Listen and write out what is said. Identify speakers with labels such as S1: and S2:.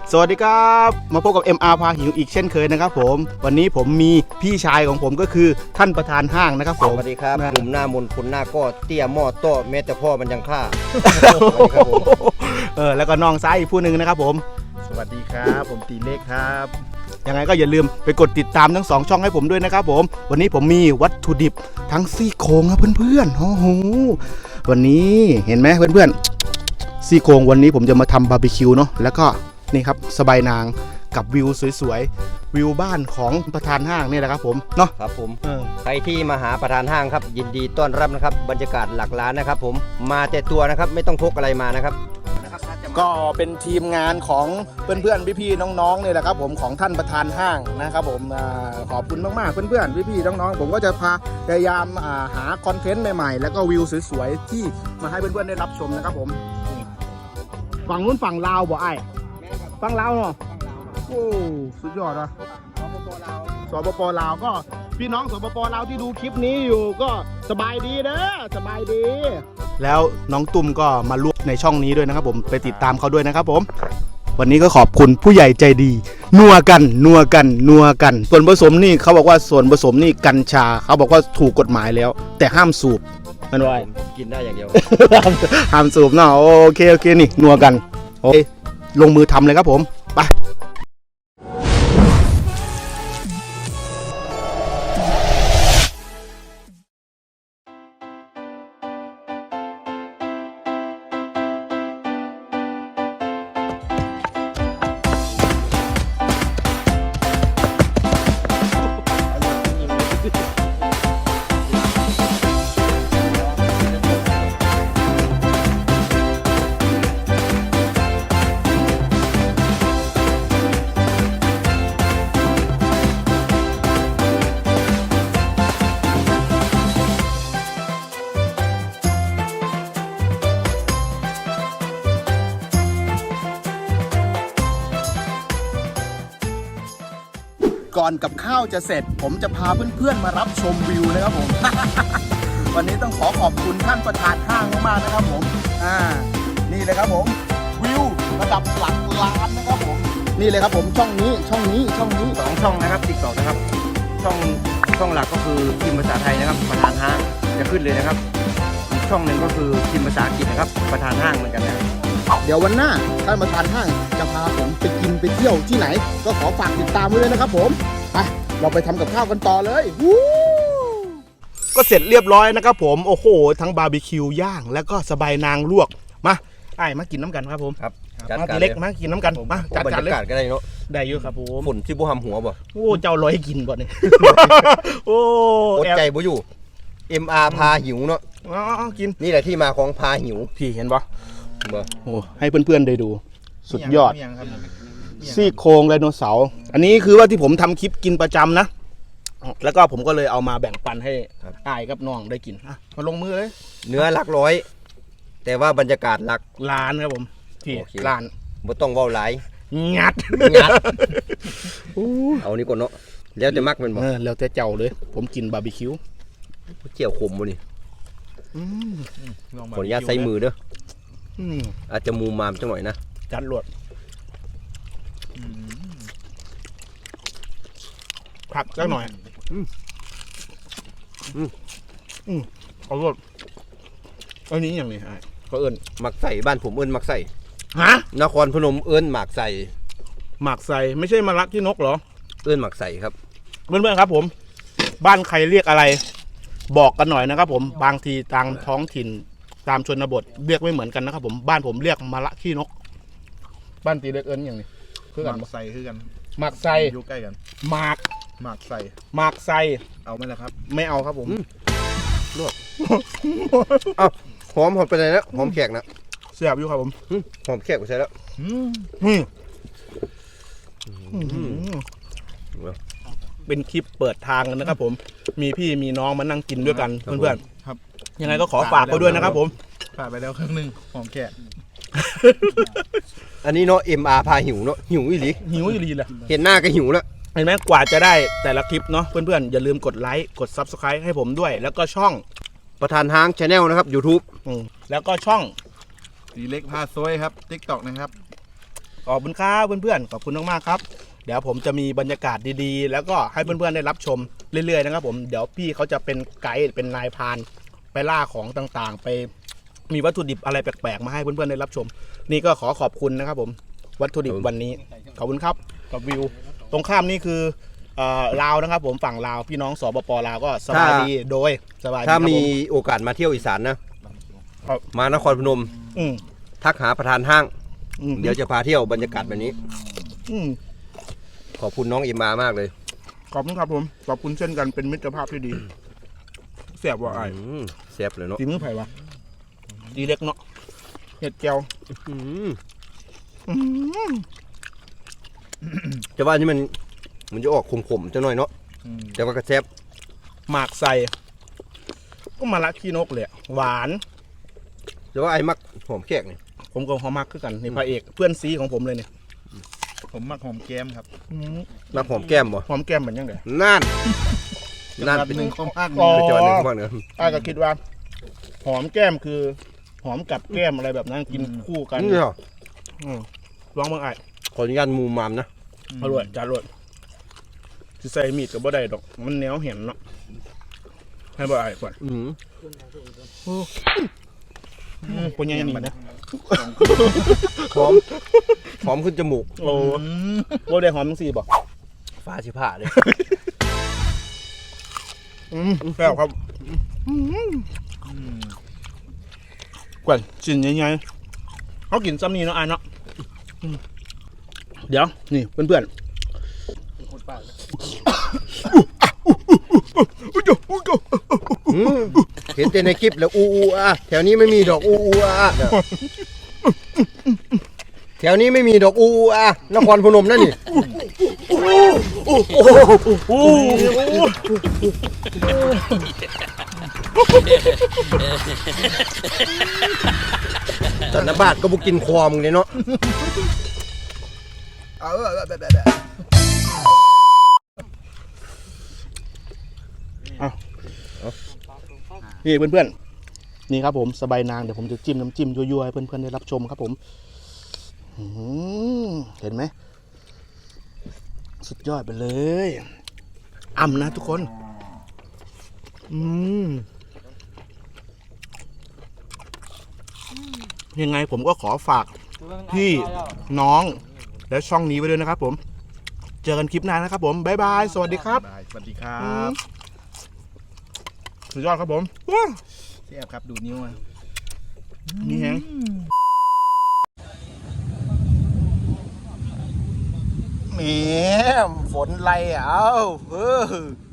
S1: สวัสดีครับมาพบกับ MR พาหิวอีกเช่นเคยนะครับผมวันนี้ผมมีพี่ชายของผมก็คือท่านประธานห้างนะครับผม
S2: สวัสดีครับหนุ่มหน้ามนคนหน้าก็เตี้ยหม้อโต้แม้แต่พ่อมันยังฆ่า
S1: แล้วก็น้องซ้ายอีกผู้หนึ่งนะครับผม
S3: สวัสดีครับผมตีเล็กครับ
S1: ยังไงก็อย่าลืมไปกดติดตามทั้ง2ช่องให้ผมด้วยนะครับผมวันนี้ผมมีวัตถุดิบทั้งซี่โครงครับเพื่อนๆโอ้โหวันนี้เห็นไหมเพื่อนๆซี่โครงวันนี้ผมจะมาทำบาร์บีคิวเนาะแล้วก็นี่ครับสบายนางกับวิวสวยๆวิวบ้านของประธานห้างนี่แหละครับผมเนาะ
S2: ครับผมใครที่มาหาประธานห้างครับยินดีต้อนรับนะครับบรรยากาศหลักล้านนะครับผมมาแต่ตัวนะครับไม่ต้องพกอะไรมานะครับ
S1: ก็เป็นทีมงานของเพื่อนๆพี่ๆน้องๆนี่แหละครับผมของท่านประธานห้างนะครับผมขอบคุณมากๆเพื่อนๆพี่ๆน้องๆผมก็จะพยายามหาคอนเทนต์ใหม่ๆแล้วก็วิวสวยๆที่มาให้เพื่อนๆได้รับชมนะครับผมฝั่งนู้นฝั่งลาวบ่ไอ้ฝั่งลาวเนาะโอ้สุดยอดนะสปปลาวก็พี่น้องสปปลาวที่ดูคลิปนี้อยู่ก็สบายดีเด้อสบายดีแล้วน้องตุ้มก็มาร่วมในช่องนี้ด้วยนะครับผมไปติดตามเขาด้วยนะครับผมวันนี้ก็ขอบคุณผู้ใหญ่ใจดีนัวกันส่วนผสมนี่เขาบอกว่าส่วนผสมนี่กัญชาเขาบอกว่าถูกกฎหมายแล้วแต่ห้ามสูบมันว่า
S2: กินได้อย่างเดียว
S1: ห้ามสูบเนาะโอเคนี่นัวกันโอเคลงมือทำเลยครับผมไปก่อนกับข้าวจะเสร็จผมจะพาเพื่อนๆมารับชมวิวนะครับผม วันนี้ต้องขอบคุณท่านประธานห้างมากๆนะครับผมนี่เลยครับผมวิวระดับหลักล้านนะครับผมนี่เลยครับผมช่องนี้2
S2: ช่องนะครับTikTokนะครับช่องหลักก็คือพิมพ์ภาษาไทยนะครับประธานห้างจะขึ้นเลยนะครับอีกช่องหนึ่งก็คือพิมพ์ภาษาอังกฤษนะครับประธานห้างเหมือนกันนะ
S1: เดี๋ยววันหน้าท่านประธานห้างจะพาผมไปกินไปเที่ยวที่ไหนก็ขอฝากติดตามไว้เลยนะครับผมไปเราไปทำกับข้าวกันต่อเลยก็เสร็จเรียบร้อยนะครับผมโอ้โหทั้งบาร์บีคิวย่างแล้วก็สบายนางลวกมามากินน้ำกันครับผม
S2: ครับ
S1: มาทีเล็กมากินน้ำกันมาจัดการเลย
S2: ก็ได้เนาะ
S1: ได้เยอะครับผม
S2: ฝนที่บุหำหัวบ่
S1: โอ้เจ้าลอยกินบ่เนี่ยโอ้
S2: อดใจบ่อยู่ MR พาหิวเนาะ
S1: กิน
S2: นี่แหละที่มาของพาหิว
S1: พี่เห็นปะโอ้ให้เพื่อนๆได้ดูสุดยอดซี่โครงไดโนเสาร์อันนี้คือว่าที่ผมทำคลิปกินประจำนะแล้วก็ผมก็เลยเอามาแบ่งปันให้อ้ายกับน้องได้กินมาลงมือเลย
S2: เนื้อหลักร้อยแต่ว่าบรรยากาศหลัก
S1: ล้านครับผมที่ล้าน
S2: บ่ต้องเว้าหลาย
S1: งัด
S2: เอานี่ก่อนเนาะแล้วจะมักมันบ่
S1: แล้วแต่เจ้าเลยผมกินบาร์บีคิว
S2: เจียวขมบ่นี่ขออนุญาตใส่มือเด้ออาจจะมูมามจังหน่อยนะ
S1: จัดหลวดผักจังหน่อยเอาหลวดอันนี้อย่างนี้เขาเอิ้น
S2: หมักใส่บ้านผมเอิ้นหมักใส่
S1: ฮะ
S2: นครพนมเอิ้นหมักใส่
S1: ไม่ใช่มะระที่นกเหรอ
S2: เอิ้นหมักใส่ครับ
S1: เพื่อนๆครับผมบ้านใครเรียกอะไรบอกกันหน่อยนะครับผมบางทีทางท้องถิ่นตามชนบทเรียกไม่เหมือนกันนะครับผมบ้านผมเรียกมะระขี้นกบ้านตีเล็กเอิญอย่างนี้
S3: คือกันหมักใส่คือกัน
S1: หมักใส่
S3: อยู่ใกล้กัน
S1: หมัก
S3: ใส่เอาไหมล่ะครับ
S1: ไม่เอาครับผม
S2: ลวกเอาหอมไปไหนแล้วหอมแขกนะ
S1: เสียบอยู่ครับผม
S2: หอมแขกไปใช่แล้ว
S1: เป็นคลิปเปิดทางกันนะครับผมมีพี่มีน้องมานั่งกินด้วยกันเพื่อนๆครับยังไงก็ขอฝากเขาด้วยนะครับผม
S3: ฝากไปแล้วครึ่งนึงหอมแขก
S2: อันนี้เนาะ MR พาหิวเนาะหิวอีหลี
S1: แหละ
S2: เห็นหน้าก็หิวแล้ว
S1: เห็นไหมกว่าจะได้แต่ละคลิปเนาะเพื่อนๆอย่าลืมกดไลค์กด Subscribe ให้ผมด้วยแล้วก็ช่อง
S2: ประธานห้าง Channel นะครับ YouTube
S1: แล้วก็ช่อง
S3: ตีเล็กพาซวยครับ TikTok นะครับ
S1: ขอบคุณครับเพื่อนๆขอบคุณมากๆครับเดี๋ยวผมจะมีบรรยากาศดีๆแล้วก็ให้เพื่อนๆได้รับชมเรื่อยๆนะครับผมเดี๋ยวพี่เขาจะเป็นไกด์เป็นนายพรานไปล่าของต่างๆ ไปมีวัตถุดิบอะไรแปลกๆมาให้เพื่อนๆได้รับชม นี่ก็ขอบคุณนะครับผมวัตถุดิบวันนี้ขอบคุณครับกับวิวตรงข้ามนี่คือลาวนะครับผมฝั่งลาวพี่น้องสปปลาวก็สบายดีโดยสบายดี
S2: ถ้า
S1: ครับ
S2: มี
S1: ผม
S2: โอกาสมาเที่ยวอีสานนะครับ มานครพนม
S1: อืม
S2: ทักหาประธานห้าง
S1: อืม
S2: เดี๋ยวจะพาเที่ยวบรรยากาศแบบนี้
S1: อืม
S2: ขอบคุณน้องเอ็มมามากเลย
S1: ขอบคุณครับผมขอบคุณเช่นกันเป็นมิตรภาพที่ดีเสียบว่าไอ้
S2: แซ่บเลยเนาะ
S1: ตีมือไผ่วะดีเล็กเนาะเห็ดแก้ว
S2: อืมจะว่านี่มันจะออกขมๆจะหน่อยเนาะ
S3: อืม
S2: แต่ว่าก็แซ่บ
S1: หมากใส่ก็มาละขี้นกเลยอะหวาน
S2: แต่ว่าไอ้มักหอมแขกนี่
S1: ผมกับเขามักคือกันนี่พระเอกเพื่อนซีของผมเลยเนี่ย
S3: ผมมักหอมแก้มครับ
S2: มักหอมแก้มบ่
S1: หอมแก้มเหมือนยังไง
S2: นั่น
S3: นั่
S2: นั่
S3: น
S2: น
S3: เป็
S2: เป็น น
S3: หนึ่งข้อมาก
S1: อ๋อ
S2: เป็นจังหวัดหนึ่งของบ้านเนอะ
S1: อ้ายก็คิดว่า หอมแก้มคือ หอมกับแก้มอะไรแบบนั้นกินคู่กัน
S2: นี่เหรอ
S1: อืมลองเบิ่งไอ้
S2: ขออนุญาตมูมามนะ
S1: อร่อยจานอร่อยสิใส่มีดก็บ่ได้ดอก มันเหนียวเห็นเนาะให้บ่ไอ้ก่อน
S2: อืม
S1: ปนยังนี่นะ
S2: หอมขึ้นจมูก
S1: โอ้บ่ได้หอมจังซี่บ่
S2: ฟ้าชิผ่าเลย
S1: แซ่บครับกวนชิ้นใหญ่ๆเขากินซ้ำนี่เนาะอ่ะเนาะเดี๋ยวนี่เพื่อนๆ
S2: เห็นแต่ในคลิปแล้วอูอ่ะแถวนี้ไม่มีดอกอูอ่ะแถวนี้ไม่มีดอกอูอ่ะนครพนมนั่นนี่แต่นบาทก็บุกินควอมเลยเนาะ
S1: นี่เพื่อนๆนี่ครับผมสบายนางเดี๋ยวผมจะจิ้มน้ำจิ้มยั่วๆให้เพื่อนๆได้รับชมครับผมเห็นไหมสุดยอดไปเลยอ่ำนะทุกคนยังไงผมก็ขอฝากพี่น้องและช่องนี้ไว้ด้วยนะครับผมเจอกันคลิปหน้านะครับผมบ๊ายบายสวัสดีครับ
S3: ได้สวัสดีครับ
S1: สุดยอดครับผม
S3: เสียบครับดูนิ้วอ่ะ
S1: นี่แฮงแหมฝนไรอ่ะเอ้า